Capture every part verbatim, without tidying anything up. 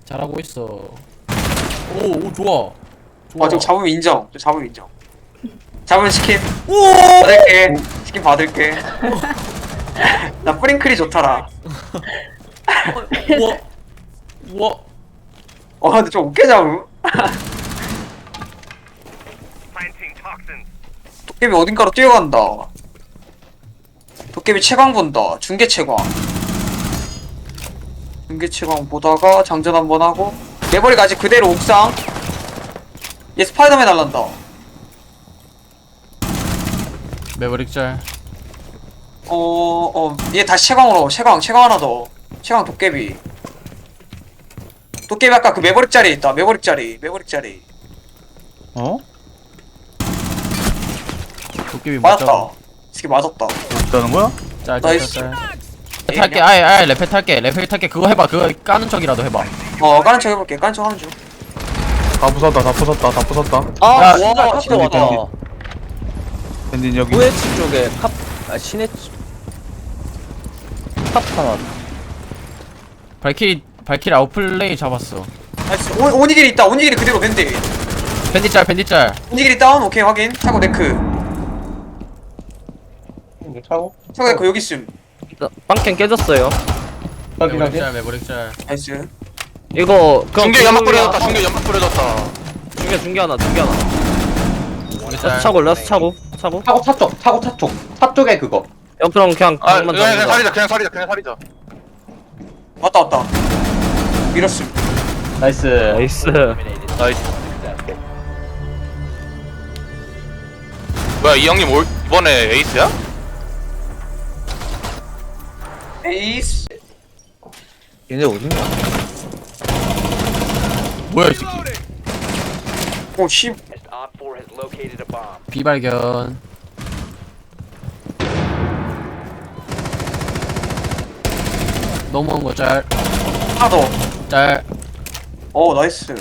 잘하고 있어. 오, 오 좋아. 좋아. 아, 저 잡으면 인정. 저 잡으면 인정. 잡으면 치킨 오! 받을게. 치킨 받을게. 나 프링클이 좋더라. 우와. 우와. 어, 근데 좀 웃겨 잡음. 도깨비 어딘가로 뛰어간다. 도깨비 채광 본다. 중계 채광. 중계 채광 보다가 장전 한번 하고 내버리가 아직 그대로 옥상. 얘 스파이더맨 날란다. 매버릭 짤. 어, 어, 얘 다시 채광으로. 채광, 채광 하나 더. 채광 도깨비. 도깨비 아까 그 매버릭 자리에 있다. 매버릭 자리, 매버릭 자리. 어? 도깨비 맞았다. 맞다. 이게 맞았다. 없다는 거야? 짤, 짤, 나이스. 짤, 짤. 탈게. 아예, 아예 레페 탈게. 레페 탈게. 그거 해봐. 그거 까는 척이라도 해봐. 어, 까는 척 해볼게. 까는 척 하는 중. 다 부쉈다 다 부쉈다 다 부쉈다. 아, 야, 씨발 와, 카페 진짜 왔다. 밴딧. 밴딘 여기. 우에치 쪽에 탑, 아, 시내 탑 하나. 발키리, 발키리 아웃플레이 잡았어. 나이스. 오, 오니길이 있다. 오니길이 그대로 밴드. 밴디 짤, 밴디 짤. 오니길이 다운. 오케이, 확인. 차고 네크. 차고? 차고 네크 여기 있음. 빵캔 깨졌어요. 매버릭 짤, 매버릭 짤. 나이스. 이거 그럼 중계 연막 뿌려졌다. 중계 중계 연막 뿌려졌다. 중계 중계 하나 중계 하나. 우리 라스 짤. 차고 라스 차고 차고. 차고 차 쪽, 차고 차 쪽, 차 쪽에 그거. 야 그럼 그냥 아, 방만 그냥, 그냥 잡는다. 살리자. 그냥 살리자. 그냥 살리자. 왔다, 왔다. 밀었음. 나이스. 나이스. 나이스. 뭐야, 이 형님 올, 이번에 에이스야? 에이스. 얘네 어딨냐? 뭐야, 이 새끼. 오, 씨. 비발견. 넘어온 거 짤. 하나 더. 짤. 어, 나이스.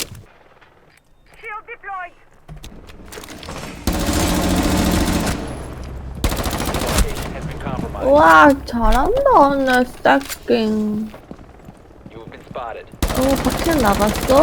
와 잘한다 내 스타킹. 어 밖에 나갔어?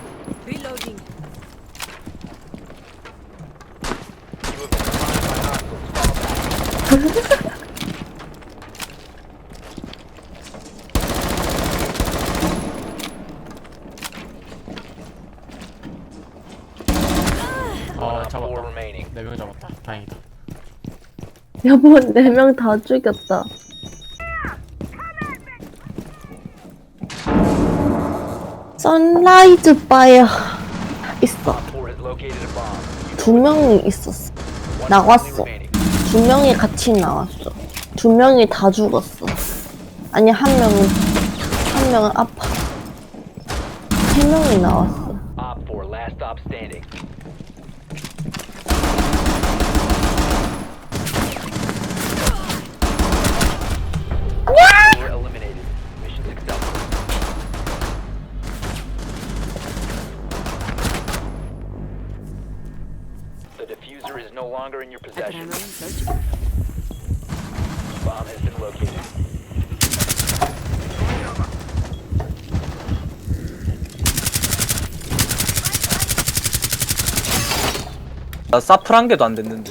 아, 잡았다. 네 명 잡았다. 다행이다. 여보 네 명 다 죽였다. 선라이즈 바야 있어. 두 명이 있었어. 나왔어. 두 명이 같이 나왔어. 두 명이 다 죽었어. 아니 한 명은 한 명은 아파. 세 명이 나왔어. The diffuser is no longer in your possession. Bomb has been located. 나 사플 한 개도 안 됐는데.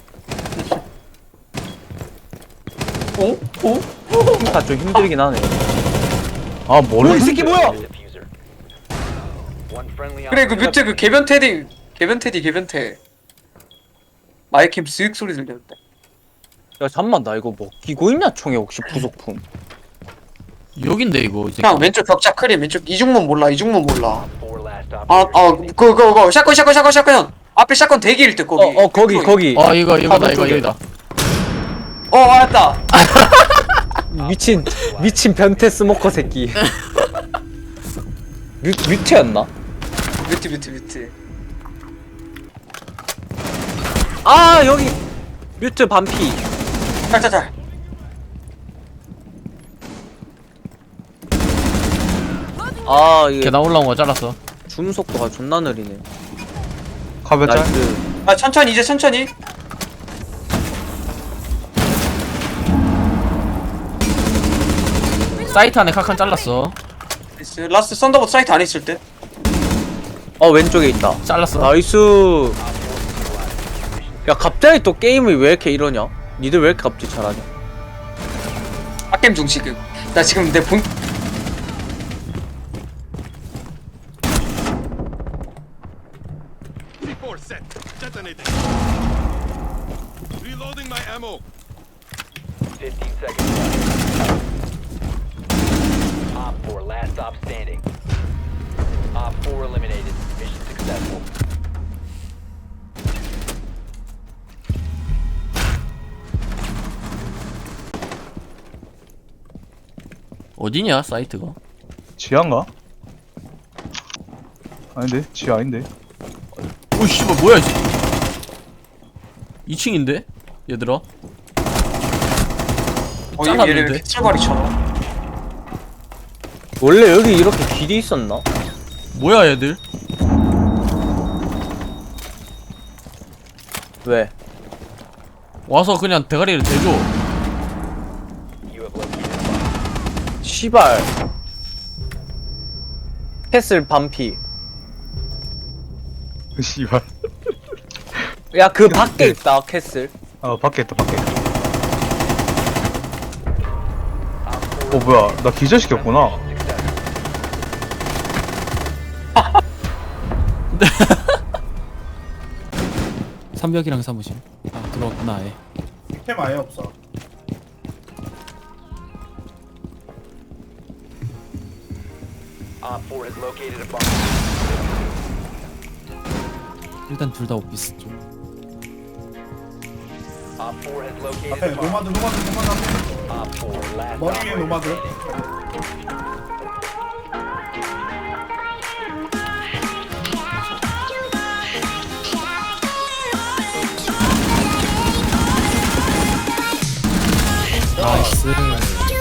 오? 오? 다 좀 힘들긴 하네. 아 뭐야 이 새끼 뭐야? Diffuser. One friendly 그래, 그 operator 뮤트 그 개변 테디. 개변 테디, 개변 테. 마이캠 쓱 소리 들렸는데. 야 잠만 나 이거 뭐 끼고 있냐 총에 혹시 부속품? 여긴데, 이거. 이제. 그냥 왼쪽 격자 크림, 왼쪽 이중문 몰라, 이중문 몰라. four last 아, operator. 아, 그, 그, 그, 샷건, 샷건, 샷건, 샷건. 앞에 샷건 대기일 듯, 거기. 어 어 거기 거기. 어, 이거, 이거다, 화분 이거, 쪽에. 이거다. 어, 알았다. 미친 미친 변태 스모커 새끼. 뮤 뮤트였나? 뮤트, 뮤트, 뮤트. 아 여기 뮤트 반피. 짤짤짤. 아 이게 계단 올라온 거 잘랐어. 줌 속도가 존나 느리네. 카베 짤? 나이스. 아, 천천히, 이제 천천히. 사이트 안에 카칸 잘랐어. 나이스. 라스트 썬더봇 사이트 안에 있을 때. 어 왼쪽에 있다. 잘랐어. 나이스. 야 갑자기 또 게임이 왜 이렇게 이러냐? 니들 왜 이렇게 갑자기 잘하냐? 빡겜 중 지금. 나 지금 내 본. fifteen seconds left. Op four, last stop standing. Op four eliminated. Mission successful. 어디냐 사이트가? 지하인가? 아닌데 지하 아닌데. 오 씨발 뭐야 이 이 층인데 얘들아. 어, 잘랐는데? 얘를 피칠발이처럼. 원래 여기 이렇게 길이 있었나? 뭐야 얘들? 왜? 와서 그냥 대가리를 대줘. You have located a bomb. 시발. 캐슬 반피. 씨발. 야 그 밖에 있다 캐슬. 아 밖에 있다 밖에. 어 뭐야 나 기절시켰구나. 삼벽이랑 사무실. 아 들어왔구나 아예. 캠 아예 없어. Op four has located a bomb. 일단 둘 다 오피스 쪽. Op four has located 앞에 a bomb. 노마드 노마드 노마드 앞에. Op four, last 머리 위에 operator 노마드. standing. 나이스.